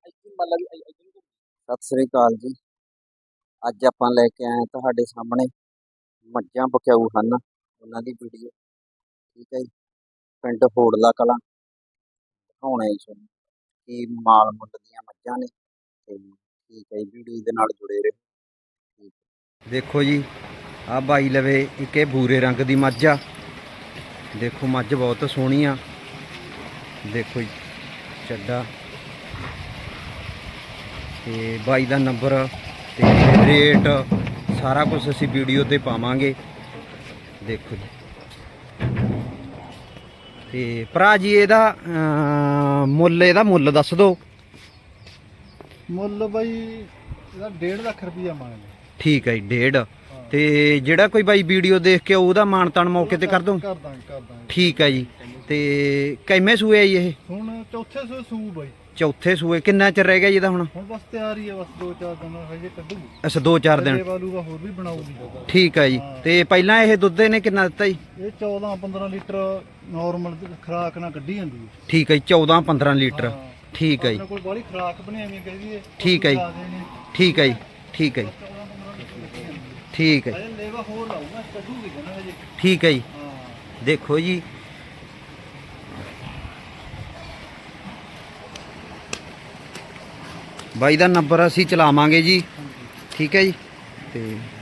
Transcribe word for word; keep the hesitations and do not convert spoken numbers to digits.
ਸਤਿ ਸ੍ਰੀ ਅਕਾਲ ਜੀ। ਅੱਜ ਆਪਾਂ ਲੈ ਕੇ ਆਏ ਤੁਹਾਡੇ ਸਾਹਮਣੇ ਮੱਝਾਂ ਬਕਾਊ ਹਨ, ਉਹਨਾਂ ਦੀ ਵੀਡੀਓ। ਠੀਕ ਹੈ ਜੀ, ਪਿੰਡ ਹੋੜਲਾ ਕਲਾਂ ਦਿਖਾਉਣਾ ਜੀ ਤੁਹਾਨੂੰ ਕੀ ਮਾਲ ਮੁੱਲ ਦੀਆਂ ਮੱਝਾਂ ਨੇ। ਤੇ ਠੀਕ ਹੈ, ਵੀਡੀਓ ਦੇ ਨਾਲ ਜੁੜੇ ਰਹੋ। ਦੇਖੋ ਜੀ, ਆ ਬਾਈ ਲਵੇ ਇੱਕ ਇਹ ਭੂਰੇ ਰੰਗ ਦੀ ਮੱਝ ਆ। ਦੇਖੋ ਮੱਝ ਬਹੁਤ ਸੋਹਣੀ ਆ। ਦੇਖੋ ਜੀ ਚੱਡਾ ਤੇ ਬਾਈ ਦਾ ਨੰਬਰ ਤੇ ਰੇਟ ਸਾਰਾ ਕੁਝ ਅਸੀਂ ਵੀਡੀਓ ਤੇ ਪਾਵਾਂਗੇ। ਦੇਖੋ ਜੀ ਤੇ ਭਰਾ ਜੀ ਇਹਦਾ ਮੁੱਲ ਇਹਦਾ ਮੁੱਲ ਦੱਸ ਦਿਓ। ਮੁੱਲ ਬਾਈ ਇਹਦਾ ਡੇਢ ਲੱਖ ਰੁਪਈਆ ਮੰਗਦੇ। ਠੀਕ ਹੈ ਜੀ, ਡੇਢ। ਤੇ ਜਿਹੜਾ ਕੋਈ ਬਾਈ ਵੀਡੀਓ ਦੇਖ ਕੇ ਉਹਦਾ ਮਾਣ ਤਾਣ ਮੌਕੇ ਤੇ ਕਰ ਦੋ। ਕਰ ਦਾਂਗੇ ਕਰ ਦਾਂਗੇ। ਠੀਕ ਹੈ ਜੀ। ਤੇ ਕਿੰਨੇ ਸੂਏ ਆ ਜੀ ਇਹ? ਹੁਣ ਚੌਥੇ ਸੂਏ ਸੂ ਬਾਈ। ਚੌਥੇ ਸੂਏ। ਕਿੰਨਾ ਚਿਰ ਰਹਿ ਗਿਆ ਜੀ ਇਹਦਾ? ਹੁਣ ਹੁਣ ਬਸ ਤਿਆਰ ਹੀ ਹੈ, ਬਸ ਦੋ ਚਾਰ ਦਿਨ ਹਜੇ ਕੱਢੂ। ਅੱਛਾ, ਦੋ ਚਾਰ ਦਿਨ। ਵਾਲੂਗਾ ਹੋਰ ਵੀ ਬਣਾਉਗੀ। ਠੀਕ ਹੈ ਜੀ। ਤੇ ਪਹਿਲਾਂ ਇਹ ਦੁੱਧ ਇਹਨੇ ਕਿੰਨਾ ਦਿੱਤਾ ਜੀ? ਇਹ ਚੌਦਾਂ ਪੰਦਰਾਂ ਲੀਟਰ ਨਾਰਮਲ ਖੁਰਾਕ ਨਾਲ ਕੱਢੀ ਜਾਂਦੀ ਹੈ। ਠੀਕ ਹੈ ਜੀ, ਚੌਦਾਂ ਪੰਦਰਾਂ ਲੀਟਰ। ਠੀਕ ਹੈ ਜੀ। ਆਪਣੇ ਕੋਲ ਬਾਹਲੀ ਖੁਰਾਕ ਬਣਾਵੀਂ ਕਹਦੀ ਹੈ। ਠੀਕ ਹੈ ਜੀ, ਠੀਕ ਹੈ ਜੀ, ਠੀਕ ਹੈ ਜੀ, ਠੀਕ ਹੈ ਹਜੇ ਲੇਵਾ ਹੋਰ ਲਾਊਗਾ, ਕੱਢੂਗੀ ਨਾ ਹਜੇ। ਠੀਕ ਹੈ ਜੀ। ਹਾਂ ਦੇਖੋ ਜੀ ਬਾਈ ਦਾ ਨੰਬਰ ਅਸੀਂ ਚਲਾਵਾਂਗੇ ਜੀ। ਠੀਕ ਹੈ ਜੀ। ਤੇ